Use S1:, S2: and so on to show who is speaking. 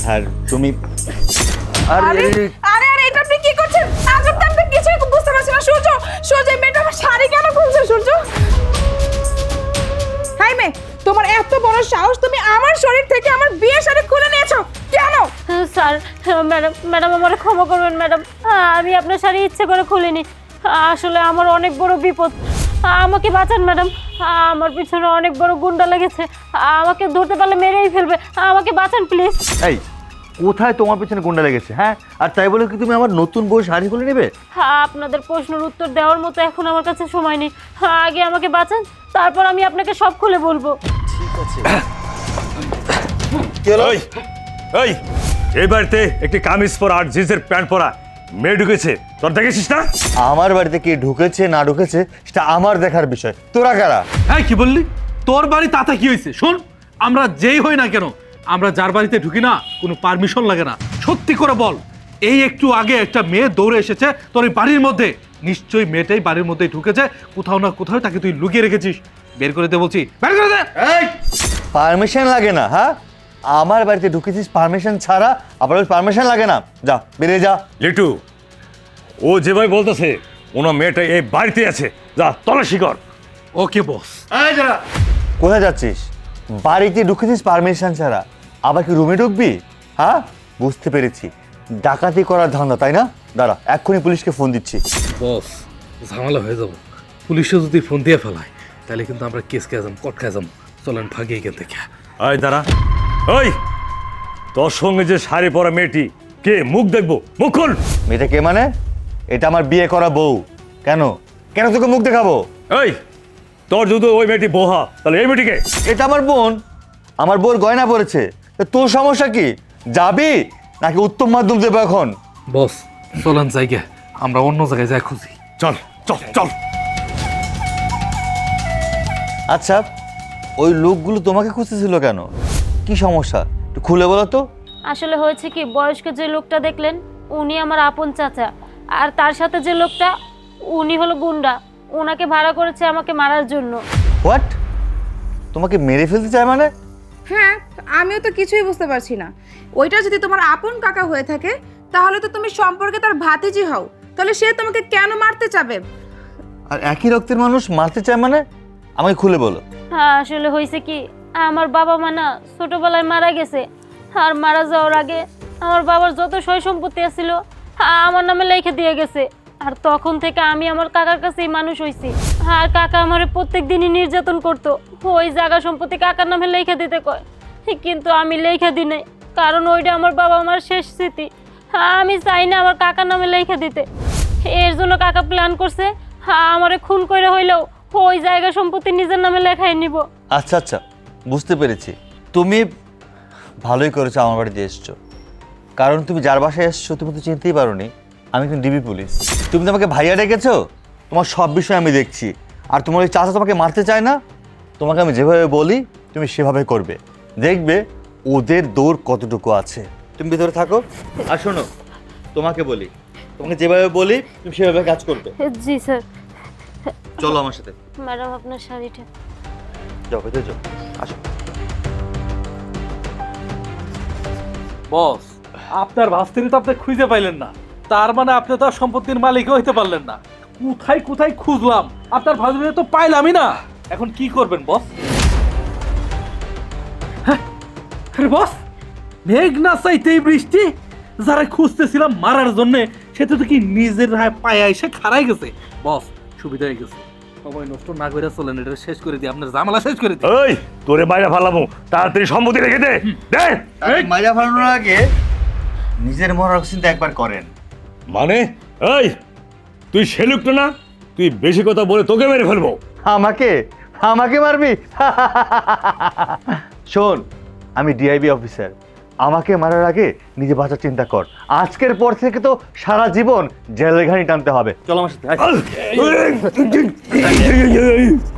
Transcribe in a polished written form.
S1: আর তুমি
S2: আরে আরে আরে এটা আপনি কি করছেন? আজব তো, আপনি কিছুই বুঝতে পারছেন না। সূর্য, সূর্য, এই মেয়েটা আমার শাড়ি কেন খুলছে? সূর্য, হাই মেয়ে, তোমার এত বড় সাহস, তুমি আমার শরীর থেকে আমার বিয়ের শাড়ি খুলে নিয়েছো কেন?
S3: স্যার, ম্যাডাম আমারে ক্ষমা করবেন ম্যাডাম, আমি আপনার শাড়ি ইচ্ছে করে খুলিনি। আসলে আমার অনেক বড় বিপদ, আমাকে বাঁচান ম্যাডাম। আমার পিছনে অনেক বড় গুন্ডা লেগেছে, আমাকে ধরতে পারলে মেরেই ফেলবে, আমাকে বাঁচান প্লিজ।
S1: এই কোথায় তোমার পেছনে গুন্ডা লেগেছে? হ্যাঁ, আর তাই বলে কি তুমি আমার নতুন বউ শাড়ি খুলে নেবে?
S3: আপনাদের প্রশ্নের উত্তর দেওয়ার মতো এখন আমার কাছে সময় নেই, আগে আমাকে বাঁচান, তারপর আমি আপনাকে সব খুলে বলবো।
S1: ঠিক আছে।
S4: এই এই এই বাড়িতে একটি কামিজ পরা আর জিন্সের প্যান্ট পরা মেয়ে ঢুকেছে, তোর দেখেছিস না?
S1: আমার বাড়িতে কে ঢুকেছে না ঢুকেছে সেটা আমার দেখার বিষয়। তোরা কারা?
S5: হ্যাঁ, কি বললি? তোর বাড়ি তাতে কি হয়েছে? শোন, আমরা যেই হই না কেন, আমরা যার বাড়িতে ঢুকি না কোনো পারমিশন লাগে না। সত্যি করে বল, এই একটু আগে একটা মেয়ে দৌড়ে এসেছে তোর এই বাড়ির মধ্যে, নিশ্চয়ই মেয়েটাই বাড়ির মধ্যে ঢুকেছে, কোথাও না কোথাও তাকে তুই লুকিয়ে রেখেছিস। বের করে দে বলছি, বের করে দে।
S1: এই পারমিশন লাগে না? হ্যাঁ, আমার বাড়িতে ঢুকেছিস পারমিশন ছাড়া, আবার পারমিশন লাগে না? যা বেরিয়ে যা।
S4: লিটু, ও যেভাবে বলতেছে ওনার মেয়েটা এই বাড়িতে আছে, যা তল্লাশি কর।
S5: ওকে বস।
S1: কোথায় যাচ্ছিস? বাড়িতে ঢুকেছিস পারমিশন ছাড়া, আবার কি রুমে ঢুকবি? হ্যাঁ, বুঝতে পেরেছি, ডাকাতি করার ধান্দা, তাই না? দাঁড়া, এক্ষুনি পুলিশকে ফোন দিচ্ছি।
S5: বস, ঝামেলা হয়ে যাব। পুলিশে যদি ফোন দিয়ে ফেলায় তাহলে কিন্তু আমরা কেস খেয়ে যাবো, কট খেয়ে যাবো। চলেন ভাগে এখান থেকে।
S4: এই দাঁড়া, ওই তোর সঙ্গে যে শাড়ি পরা মেয়েটি কে? মুখ দেখবো, মুখ খোল।
S1: মেয়েটা কে মানে? এটা আমার বিয়ে করা বউ। কেন কেন তোকে মুখ দেখাবো?
S4: এই তোর যদি ওই মেয়েটি বোহা, তাহলে এই মেয়েটিকে?
S1: এটা আমার বোন, আমার বোর গয়না পড়েছে। তা তোর সমস্যা কি? যাবি নাকি উত্তম মাধ্যম দেবো এখন?
S5: বস, চলেন জায়গা, আমরা অন্য জায়গায় যাই খুঁজি।
S4: চল চল চল।
S1: আচ্ছা, ওই লোকগুলো তোমাকে খুঁজতেছিল কেন? কি সমস্যা একটু খুলে বলো তো।
S3: আসলে হয়েছে কি, বয়স্ক যে লোকটা দেখলেন উনি আমার আপন চাচা, আর তার সাথে যে লোকটা উনি হলো গুন্ডা, ওনাকে ভাড়া করেছে আমাকে মারার জন্য।
S1: হোয়াট? তোমাকে মেরে ফেলতে চায় মানে?
S2: হ্যাঁ, আমিও তো কিছুই বুঝতে পারছি না। ওইটা যদি তোমার আপন কাকা হয়ে থাকে, তাহলে তো তুমি সম্পর্কে তার ভাতিজি হও, তাহলে সে তোমাকে কেন মারতে চাবে?
S1: আর একই রক্তের মানুষ মারতে চায় মানে? আমাকে খুলে বলো।
S3: হ্যাঁ, আসলে হয়েছে কি, আমার বাবা মা না ছোটবেলায় মারা গেছে, আর মারা যাওয়ার আগে আমার বাবার যত সয় সম্পত্তি ছিল আমার নামে লিখে দিয়ে গেছে। আর তখন থেকে আমি আমার কাকার কাছেই মানুষ হয়েছি, আর কাকা আমারে প্রত্যেক দিনই নির্যাতন করতো। ওই জায়গা সম্পত্তি কাকার নামে লিখে দিতে কয়, কিন্তু আমি লিখে দিই নাই, কারণ ওইটা আমার বাবা আমার শেষ স্মৃতি। আমি চাই না আমার কাকার নামে লিখে দিতে। এর জন্য কাকা প্ল্যান করছে আমারে খুন করে হইলেও ওই জায়গা সম্পত্তি নিজের নামে লেখাই নিব।
S1: আচ্ছা আচ্ছা, বুঝতে পেরেছি। তুমি ভালোই করেছো আমার বাড়িতে এসছো, কারণ তুমি যার বাসায় এসছো তুমি তো চিনতেই পারোনি আমি কিন্তু ডিবি পুলিশ। তুমি তো আমাকে ভাইয়া ডেকেছো, তোমার সব বিষয় আমি দেখছি। আর তোমার ওই চাচা তোমাকে মারতে চায় না, তোমাকে আমি যেভাবে বলি তুমি সেভাবে করবে, দেখবে ওদের দৌড় কতটুকু আছে। তুমি ভিতরে থাকো, আর শোনো তোমাকে বলি, তোমাকে যেভাবে বলি তুমি সেভাবে কাজ করবে।
S3: জি স্যার।
S1: চলো আমার সাথে।
S3: ম্যাডাম, আপনার শাড়িটা।
S1: যাও ভেতরে যাও, আসো।
S5: বস, আপনার ভাস্তিনি তো আপনি খুঁজে পাইলেন না, তার মানে আপনি তো আর সম্পত্তির মালিক হইতে পারলেন না। কোথায় কোথায় খুঁজলাম, আপনার ভাস্তিনি তো পাইলামই না। এখন কি করবেন বস? হ্যাঁ, আরে বস, মেঘ না চাইতেই বৃষ্টি। যারা খুঁজতেছিলাম মারার জন্য, সেটা তো কি নিজের পায়ে এসে খাড়াই গেছে। বস, সুবিধা হয়ে গেছে, সময় নষ্ট না করে চলেন, এটা শেষ করে দিই, আপনার ঝামেলা শেষ করে দিই।
S4: ওই তোরে বাইরে ফালাবো, তাড়াতাড়ি সম্মতি রেখে দে। দে
S1: মাইরা ফালানোর আগে নিজের মরার চিন্তা একবার করেন।
S4: মানে এই তুই সেলুকটা না, তুই বেশি কথা বলে তোকে মেরে ফেলবো।
S1: আমাকে আমাকে মারবি? শোন, আমি ডিআইবি অফিসার, আমাকে মারার আগে নিজে বাঁচার চিন্তা কর। আজকের পর থেকে তো সারা জীবন জেলের ঘানি টানতে হবে। চলো আমার সাথে।